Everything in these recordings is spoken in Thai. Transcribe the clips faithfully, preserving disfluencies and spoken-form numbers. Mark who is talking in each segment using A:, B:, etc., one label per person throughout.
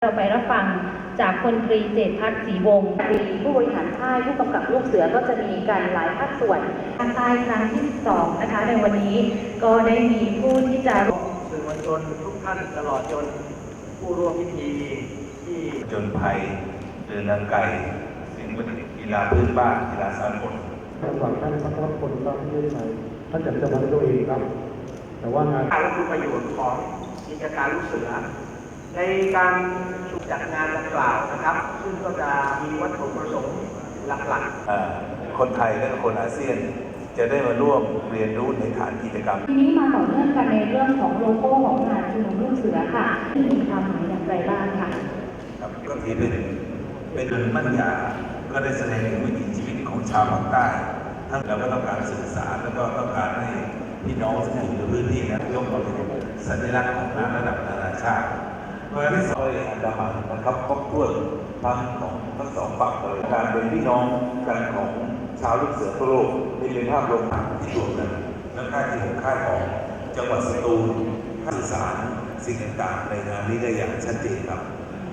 A: เราไปรับฟังจากพลตรีเจตพัฒน์ศรีวงศ์ผู้บริหารค่ายผู้กำกับลูกเสือก็จะมีการหลายภาคส่วนภาคใต้ครั้งที่สองนะคะในวันนี้ก็ได้มีผู้ที่จะ
B: สื่อมวลชนทุกท่านตลอดจนผู้ร่วมพิธีที่
C: จนภัยเดินทางไกลสิ่งประดิษฐ์กีฬาพื้นบ้านกีฬาสากล
D: ท่านหลังท่านพระพลก็ไม่ได้ใช้ท่านจัดจะมาด้วยตัวเองครับแต่ว่างาน
B: การรับประโยชน์ของกิจการลูกเสือในการจัดงานดังกล่าวนะครับซึ่งก็จะมีวัตถุประสงค์หลัก
C: ๆคนไทยและคนอาเซียนจะได้มาร่วมเรียนรู้ในฐานกิจกรรม
A: ทีนี้มาต่อเนื่องกันในเรื่องของโลโก้ของงานชุมนุมลูกเสือค่ะมีความหมายอย่างไรบ้างค่ะ
C: ครับก็ถือเป็นเป็นมั่นยาก็ได้แสดงถึงวิถีชีวิตของชาวภาคใต้ทั้งเราก็ต้องการสื่อสารแล้วก็ต้องการให้พี่น้องที่อยู่ในพื้นที่นั้นยกมาเป็นสัญลักษณ์ของน้ำระดับนานาชาติเมื่อที่สองอันดามันนะครับครบถ้วนทั้งของทั้งสองฝั่งเลยการเป็นพี่น้องกันของชาวลูกเสือทั่วโลกนี่เป็นภาพรวมที่รวมกันและค่ายที่ผมค่ายของจังหวัดสตูลสื่อสารสิ่งต่างๆในงานนี้ได้อย่างชัดเจนครับ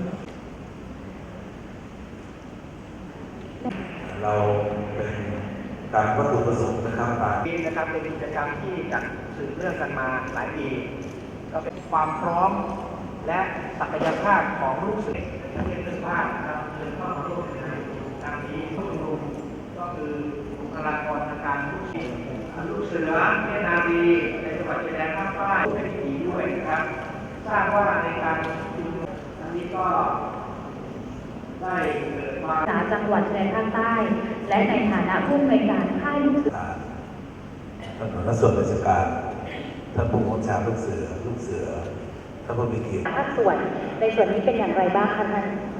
C: เราเป็นตามวัตถุประสงค์นะครับ
B: นี้นะครับเป็นกิจกรรมที่จัดสืบเนื่องกันมาหลายปีก็เป็นความพร้อมและศักยภาพของลูกเสือในประเทศเพื่อนบ้านนะครับเชิญเข้ามาร่วมในงานนี้ผู้ชุมนุมก็คือบุคลากรทางการลูกเสือลูกเสือเนตรนารีในจังหวัดชายแดนภาคใต้เป็นพิธีด้วยนะครับทราบว่าในการชุมนุมอันนี้ก็ได้เกิดมา
A: จากจังหวัดชายแดนภาคใต้และในฐานะผู้อำนวยการค่ายลูกเสือ
C: ท่านหัวหน้าส่วนราชการท่านผู้บัญชาการลูกเสือลูกเสือท่านผู้มีเกียรติ
A: ภาคส่วนในส่วนนี้เป็นอย่างไรบ้างคะท่าน